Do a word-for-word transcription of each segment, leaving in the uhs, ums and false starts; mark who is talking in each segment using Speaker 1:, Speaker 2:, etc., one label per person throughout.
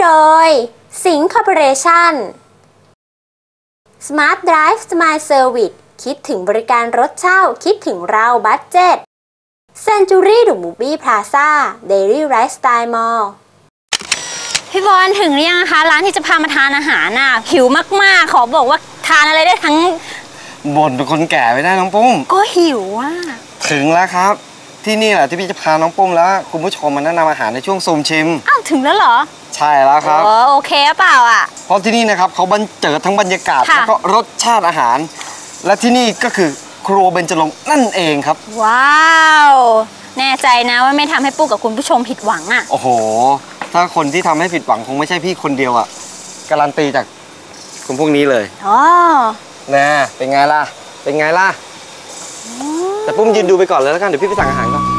Speaker 1: โดยสิงห์คอร์ปอเรชั่น Smart Drive Smile Service คิดถึงบริการรถเช่าคิดถึงเราบัดเจ็ต Century ดูมูบี้พลาซ่า Daily Lifestyle Mall
Speaker 2: พี่บอลถึงหรือยังคะร้านที่จะพามาทานอาหารน่ะหิวมากๆขอบอกว่าทานอะไรได้ทั้ง
Speaker 3: บ่นเป็นคนแก่ไม่ได้น้องปุ้ม
Speaker 2: ก็หิวอ่ะ
Speaker 3: ถึงแล้วครับที่นี่แหละที่พี่จะพาน้องปุ้มแล้วคุณผู้ชมมาแนะนำอาหารในช่วงซูมชิม
Speaker 2: อ้าวถึงแล้วเหรอ
Speaker 3: ใช่แล้วครับ
Speaker 2: โอเคเปล่าอ่ะ
Speaker 3: เพราะที่นี่นะครับเขาบรรเจิดทั้งบรรยากาศแล้วก็รสชาติอาหารและที่นี่ก็คือครัวเบญจรงค์นั่นเองครับ
Speaker 2: ว้าวแน่ใจนะว่าไม่ทำให้ปุ๊กกับคุณผู้ชมผิดหวังอ่ะ
Speaker 3: โอ้โหถ้าคนที่ทำให้ผิดหวังคงไม่ใช่พี่คนเดียวอ่ะการันตีจากคนพวกนี้เลย
Speaker 2: อ๋อ
Speaker 3: นะเป็นไงล่ะเป็นไงล่ะแต่ปุ้มยืนดูไปก่อนเลยแล้วกันเดี๋ยวพี่ไปสั่งอาหารก่อน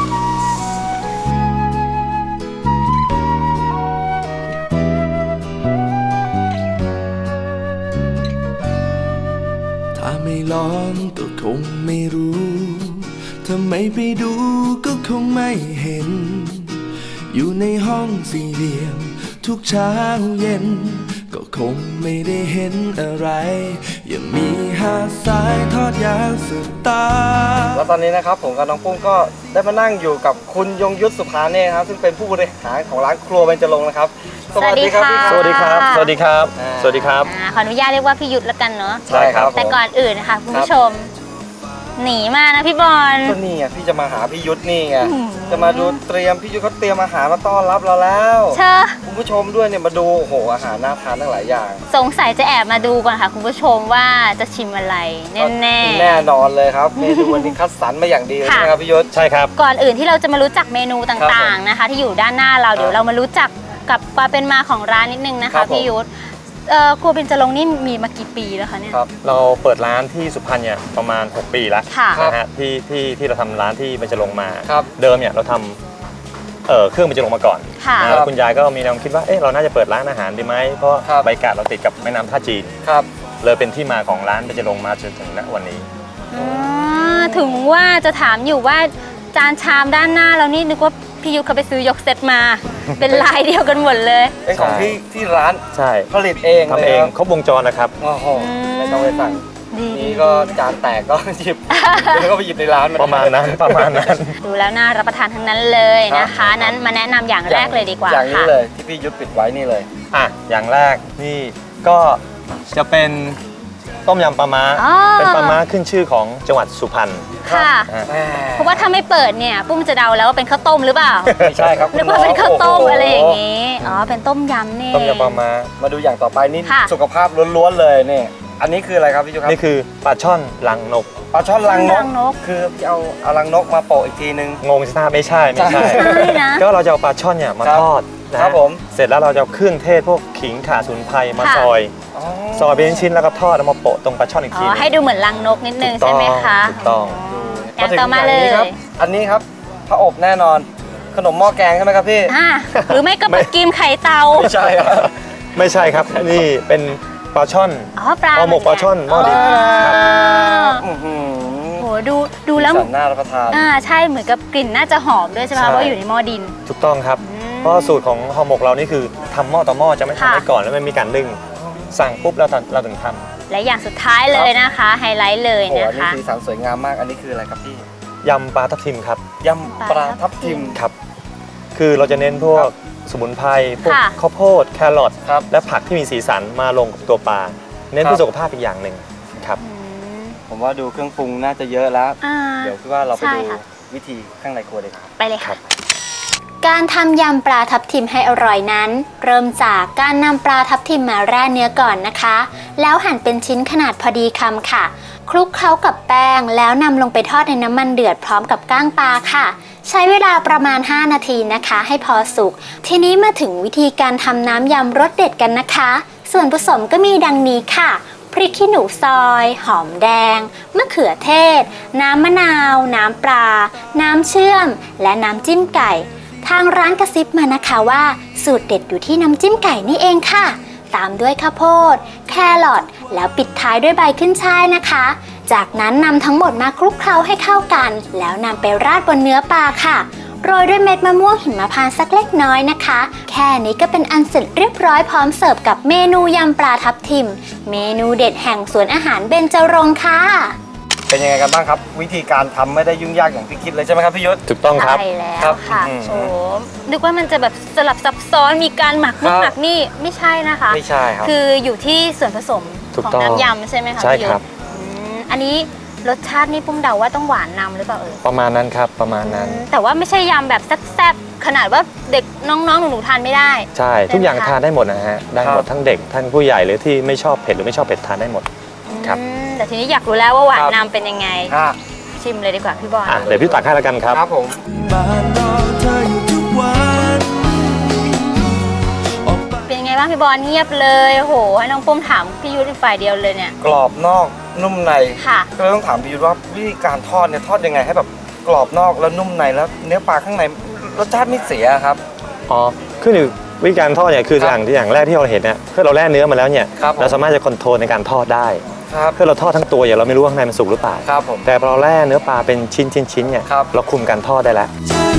Speaker 4: ถ้าไม่ลองก็คงไม่รู้ถ้าไม่ไปดูก็คงไม่เห็นอยู่ในห้องสี่เหลี่ยมทุกเช้าเย็นก็คงไม่ได้เห็นอะไรยังมีหาดทรายทอดยาวสุดตา
Speaker 3: แล้วตอนนี้นะครับผมกับน้องปุ้มก็ได้มานั่งอยู่กับคุณยงยุทธสุภาเนศครับซึ่งเป็นผู้บริหารของร้านครัวเบญจรงค์นะครับ
Speaker 2: สวัสดีครับ
Speaker 5: สวัสดีครับสวัสดีครับสวัสดีครับ
Speaker 2: ขออนุญาตเรียกว่าพี่ยุทธแล้วกันเนาะ
Speaker 3: ใช่ครับ
Speaker 2: แต่ก่อนอื่นนะคะคุณผู้ชมหนีมานะพี่บอล
Speaker 3: ก็นี่ไงพี่จะมาหาพี่ยุทธนี่ไงจะมาดูเตรียมพี่ยุทธเขาเตรียมอาหารมาต้อนรับเราแล้ว
Speaker 2: เชิญ
Speaker 3: คุณผู้ชมด้วยเนี่ยมาดูโอ้โหอาหารน่าทานทั้งหลายอย่าง
Speaker 2: สงสัยจะแอบมาดูก่อนค่ะคุณผู้ชมว่าจะชิมอะไรแน่แน่
Speaker 3: แน่นอนเลยครับเมนูวันนี้คัดสรรมาอย่างดีเลยนะครับพี่ยุทธ
Speaker 5: ใช่ครับ
Speaker 2: ก่อนอื่นที่เราจะมารู้จักเมนูต่างๆนะคะที่อยู่ด้านหน้าเราเดี๋ยวเรามารู้จักกับความเป็นมาของร้านนิดนึงนะคะพี่ยุทธครัวเบญจรงค์นี่มีมากี่ปีแล้วคะเนี่ย
Speaker 5: เราเปิดร้านที่สุพรรณเนี่ยประมาณหกปีแล้วนะฮะที่ที่ที่เราทำร้านที่เบญจรงค์มาเดิมเนี่ยเราทำเอ่อเครื่องเบญจรงค์มาก่อนแล้วคุณยายก็มีแนวคิดว่าเอ๊ะเราน่าจะเปิดร้านอาหารดีไหมเพราะบรรยากาศเราติดกับแม่น้ำท่าจีนเลยเป็นที่มาของร้านเบญจรงค์มาจนถึงณวันนี้
Speaker 2: ถึงว่าจะถามอยู่ว่าจานชามด้านหน้าเรานี่นึกว่าพี่ยุทธเขาไปซื้อยกเซตมาเป็นลายเดียวกันหมดเลย
Speaker 3: เป็นของที่ที่ร้าน
Speaker 5: ใช่
Speaker 3: ผลิตเอง
Speaker 5: ทำเองครบวงจรนะครับ
Speaker 3: โอ้โหไม่ต้องไปสั่งนี่ก็จานแตกก็หยิบแล้วก็ไปหยิบในร้าน
Speaker 5: ประมาณนั้นประมาณนั้น
Speaker 2: ดูแล้วน่ารับประทานทั้งนั้นเลยนะคะนั้นมาแนะนำอย่างแรกเลยดีกว่า
Speaker 3: อย่างนี้เลยที่พี่ยุทธปิดไว้นี่เลย
Speaker 5: อ่ะอย่างแรกนี่ก็จะเป็นต้มยำปลาม้าเป็นปลาม้าขึ้นชื่อของจังหวัดสุพรรณ
Speaker 2: ค่ะเพราะว่าถ้าไม่เปิดเนี่ยปุ้มจะเดาแล้วว่าเป็นข้าวต้มหรือเปล่า
Speaker 3: ไม่ใช่ครับ
Speaker 2: นึกว่าเป็นข้าวต้มอะไรอย่างนี้อ๋อเป็นต้มยำนี่
Speaker 5: ต้มยำปลาม้า
Speaker 3: มาดูอย่างต่อไปนี่สุขภาพล้วนๆเลยนี่อันนี้คืออะไรครับพี่จุ๊ครับ
Speaker 5: นี่คือปลาช่อนรังนก
Speaker 3: ปลาช่อนรังนกคือเอาเอารังนกมาโปะอีกทีนึง
Speaker 5: งงใช่ไหมไม่ใช่ไม่ใช่ก็เราจะเอาปลาช่อนเนี่ยมาทอด
Speaker 3: นะครับผม
Speaker 5: เสร็จแล้วเราจะเอาเครื่องเทศพวกขิงข่าสมุนไพรมาซอยซอยเป็นชิ้นแล้วก็ทอดแล้วมาโปะตรงปลาช่อนอีกที
Speaker 2: ให้ดูเหมือนรังนกนิดนึงใช่ไหมคะ
Speaker 5: ถูกต้อง
Speaker 2: อย่างต่อมาเลย
Speaker 3: อันนี้ครับพระอบแน่นอนขนมหม้อแกงใช่ไหมครับพี่
Speaker 2: หรือไม่ก็ปลากิมไข่เตา
Speaker 3: ไม่ใช่ครับ
Speaker 5: ไม่ใช่ครับนี่เป็นปลาช่อน
Speaker 2: อ๋อปลา
Speaker 5: หมกปลาช่อนหม้อดิน
Speaker 2: โหดูดูแล้ว
Speaker 3: น่ารับประทาน
Speaker 2: อ่าใช่เหมือนกับกลิ่นน่าจะหอมด้วยใช่ไหมเพราะอยู่ในหม้อดิน
Speaker 5: ถูกต้องครับเพราะสูตรของห่อหมกเรานี่คือทำหม้อต่อหม้อจะไม่ทำไว้ก่อนแล้วไม่มีการนึ่งสั่งปุ๊บเราเราถึงทำ
Speaker 2: และอย่างสุดท้ายเลยนะคะไฮไลท์เลยนะคะ
Speaker 3: อันนี้สีสันสวยงามมากอันนี้คืออะไรครับพี่
Speaker 5: ยำปลาทับทิมครับ
Speaker 3: ยำปลาทับทิม
Speaker 5: ครับคือเราจะเน้นพวกสมุนไพรพวกข้าวโพดแครอทและผักที่มีสีสันมาลงกับตัวปลาเน้นเพื่อสุขภาพอีกอย่างหนึ่งครับ
Speaker 3: ผมว่าดูเครื่องปรุงน่าจะเยอะแล้วเดี๋ยวคิดว่าเราไปดูวิธีข้างในครัวเลยครับ
Speaker 2: ไปเลยครับ
Speaker 1: การทำยำปลาทับทิมให้อร่อยนั้นเริ่มจากการนำปลาทับทิมมาแร่เนื้อก่อนนะคะแล้วหั่นเป็นชิ้นขนาดพอดีคำค่ะคลุกเคล้ากับแป้งแล้วนำลงไปทอดในน้ำมันเดือดพร้อมกับก้างปลาค่ะใช้เวลาประมาณห้านาทีนะคะให้พอสุกทีนี้มาถึงวิธีการทำน้ำยำรสเด็ดกันนะคะส่วนผสมก็มีดังนี้ค่ะพริกขี้หนูซอยหอมแดงมะเขือเทศน้ำมะนาวน้ำปลาน้ำเชื่อมและน้ำจิ้มไก่ทางร้านกระซิบมานะคะว่าสูตรเด็ดอยู่ที่น้ำจิ้มไก่นี่เองค่ะตามด้วยข้าวโพดแครอทแล้วปิดท้ายด้วยใบขึ้นช่ายนะคะจากนั้นนำทั้งหมดมาคลุกเคล้าให้เข้ากันแล้วนำไปราดบนเนื้อปลาค่ะโรยด้วยเม็ดมะม่วงหิมพานต์สักเล็กน้อยนะคะแค่นี้ก็เป็นอันเสร็จเรียบร้อยพร้อมเสิร์ฟกับเมนูยำปลาทับทิมเมนูเด็ดแห่งสวนอาหารเบญจรงค์ค่ะ
Speaker 3: เป็นยังไงกันบ้างครับวิธีการทำไม่ได้ยุ่งยากอย่างที่คิดเลยใช่ไหมครับพี่ยุทธ
Speaker 5: ถูกต้องครับ
Speaker 2: ใช่แล้วค่ะโอ้นึกว่ามันจะแบบสลับซับซ้อนมีการหมักนู่นหมักนี่ไม่ใช่นะคะ
Speaker 3: ไม่ใช่ครับ
Speaker 2: คืออยู่ที่ส่วนผสมของน้ำยำใช่ไหมคะ
Speaker 5: ใช่ครับ
Speaker 2: อันนี้รสชาตินี่ปุ้มเดาว่าต้องหวานนำหรือเปล่าเอ่ย
Speaker 5: ประมาณนั้นครับประมาณนั้น
Speaker 2: แต่ว่าไม่ใช่ยำแบบแซ่บๆขนาดว่าเด็กน้องๆหนูๆทานไม่ได้
Speaker 5: ใช่ทุกอย่างทานได้หมดนะฮะได้หมดทั้งเด็กทั้งผู้ใหญ่หรือที่ไม่ชอบเผ็ดหรือไม่ชอบเผ็ดทานได้หมดครับ
Speaker 2: แต่ทีนี้อยากรู้แล้วว่าหวานนำเป็นยังไงชิมเลยดีกว่าพี่บอล
Speaker 5: เดี๋ยวพี่ตักให้แล้วกันครับ
Speaker 3: ครับผม
Speaker 2: เป็นยังไงบ้างพี่บอลเงียบเลยโอ้โหให้น้องปุ้มถามพี่ยุทธฝ่ายเดียวเลยเนี่ย
Speaker 3: กรอบนอกนุ่มใน
Speaker 2: ค่ะ
Speaker 3: ก็เลยต้องถามพี่ยุทธว่าวิธีการทอดเนี่ยทอดยังไงให้แบบกรอบนอกแล้วนุ่มในแล้วเนื้อปลาข้างในรสชาติไม่เสียครับ
Speaker 5: อ๋อขึ้นอยู่วิธีการทอดเนี่ยคืออย่างที่อย่างแรกที่เราเห็นเนี่ยเพื่อเราแล่เนื้อมาแล้วเนี่ยเราสามารถจะคอนโทรลในการทอดได้เพื่อเราทอดทั้งตัวอย่างเราไม่รู้ว่าข้างในมันสุกหรือเปล่าแต่พอเราแล่เนื้อปลาเป็นชิ้นชิ้นชิ้นเนี่ยเราคุมการทอดได้แล้ว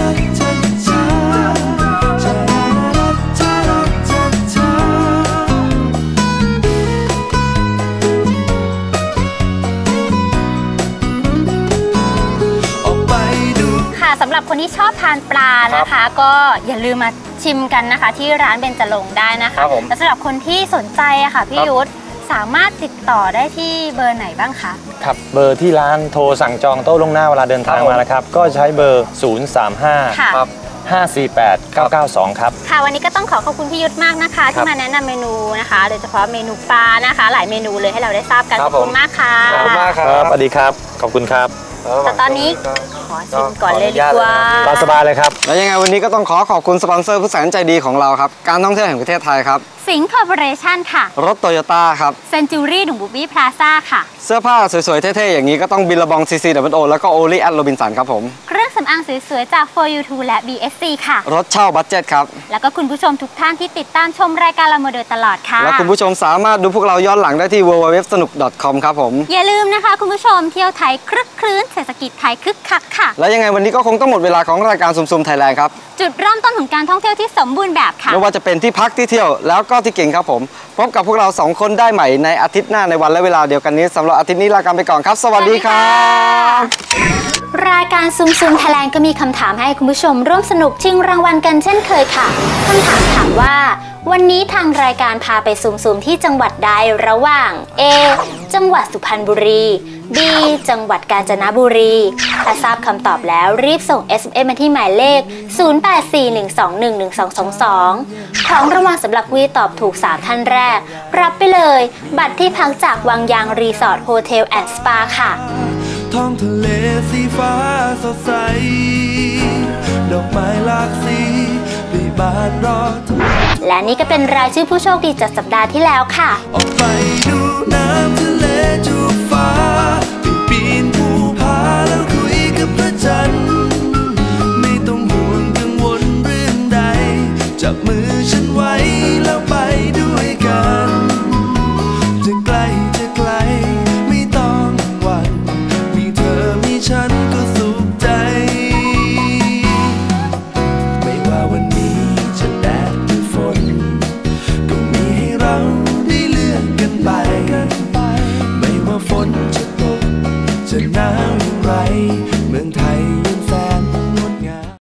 Speaker 2: สำหรับคนที่ชอบทานปลานะคะก็อย่าลืมมาชิมกันนะคะที่ร้านเบญจรงค์ได้นะคะและสำหรับคนที่สนใจอะค่ะพี่ยุทธสามารถติดต่อได้ที่เบอร์ไหนบ้างคะ
Speaker 5: ครับเบอร์ที่ร้านโทรสั่งจองโต๊ะล่วงหน้าเวลาเดินทางมานะครับก็ใช้เบอร์ศูนย์ สาม ห้า ห้า สี่ แปด เก้า เก้า สองครับ
Speaker 2: ค่ะวันนี้ก็ต้องขอขอบคุณพี่ยุทธมากนะคะที่มาแนะนำเมนูนะคะโดยเฉพาะเมนูปลานะคะหลายเมนูเลยให้เราได้ทราบกันขอบคุณมากค่ะ
Speaker 3: ขอบคุณมากครับ
Speaker 5: สวัสดีครับขอบคุณครับ
Speaker 2: แต่ตอนนี้ขอชิมก่อนเลยดีกว่า
Speaker 5: ตามสบายเลยครับ
Speaker 3: แล้วยังไงวันนี้ก็ต้องขอขอบคุณสปอนเซอร์ผู้แสนใจดีของเราครับการท่องเที่ยวแห่งประเทศไทยครับ
Speaker 2: สิงห์คอร์ปอเรชั่นค่ะ
Speaker 3: รถโตโยต้าครับ
Speaker 2: เซนจูรี่หนุ่มบูบี้พลาซ่าค่ะ
Speaker 3: เสื้อผ้าสวยๆเท่ๆอย่างนี้ก็ต้องบิลลาบองซีซีดับเบิลโอแล้วก็โอลี่แอดโรบินสันครับผม
Speaker 2: เครื่องสำอางสวยๆจาก โฟร์ ยู ทู และ บี เอส ซี ค่ะ
Speaker 3: รถเช่าบัดเจ็ตครับ
Speaker 2: แล้วก็คุณผู้ชมทุกท่านที่ติดตามชมรายการเรามาโดยตลอดค่ะ
Speaker 3: และคุณผู้ชมสามารถดูพวกเราย้อนหลังได้ที่ ดับเบิลยู ดับเบิลยู ดับเบิลยู ดอท สนุก ดอท คอม ครับผม
Speaker 2: อย่าลืมนะคะคุณผู้ชมเที่ยวไทยคลึกคลื้นเศรษฐกิจไทยคึกคักค่ะ
Speaker 3: และยังไงวันนี้ก็คงต้องหมดเวลาของรายการซุ่มๆไทยแลนด์ครับ
Speaker 2: จุดเริ่มต้นของการท่องเที่ยวที่สมบูรณ์แบบค่ะ
Speaker 3: ไม่ว่าจะเป็นที่พักที่เที่ยวแล้วก็ที่กินครับผมพบกับพวกเราสองคนได้ใหม่ในอาทิตย์หน้าในวันและเวลาเดียวกันนี้สำหรับอาทิตย์นี้ลากันไปก่อนครับสวัสดีครับ
Speaker 1: รายการซุ่มๆไทยแลนด์ก็มีคำถามให้คุณผู้ชมร่วมสนุกชิงรางวัลกันเช่นเคยค่ะคำถามถามว่าวันนี้ทางรายการพาไปซุ่มๆที่จังหวัดใดระหว่าง A จังหวัดสุพรรณบุรี B จังหวัดกาญจนบุรีถ้าทราบคำตอบแล้วรีบส่ง เอส เอ็ม เอส มาที่หมายเลขศูนย์ แปด สี่ หนึ่ง สอง หนึ่ง หนึ่ง สอง สอง สองของรางวัลสำหรับวีตอบถูกสามท่านแรกรับไปเลยบัตรที่พักจากวังยางรีสอร์ทโฮเทลแอนด์สปาค่ะ
Speaker 4: ท้องทะเลสีฟ้าสดใสดอกไม้หลากสีปีบานรอ
Speaker 1: และนี่ก็เป็นรายชื่อผู้โชคดีจากสัปดาห์ที่แล้วค่ะ
Speaker 4: ออกไปดูน้ำทะเลจูบฟ้า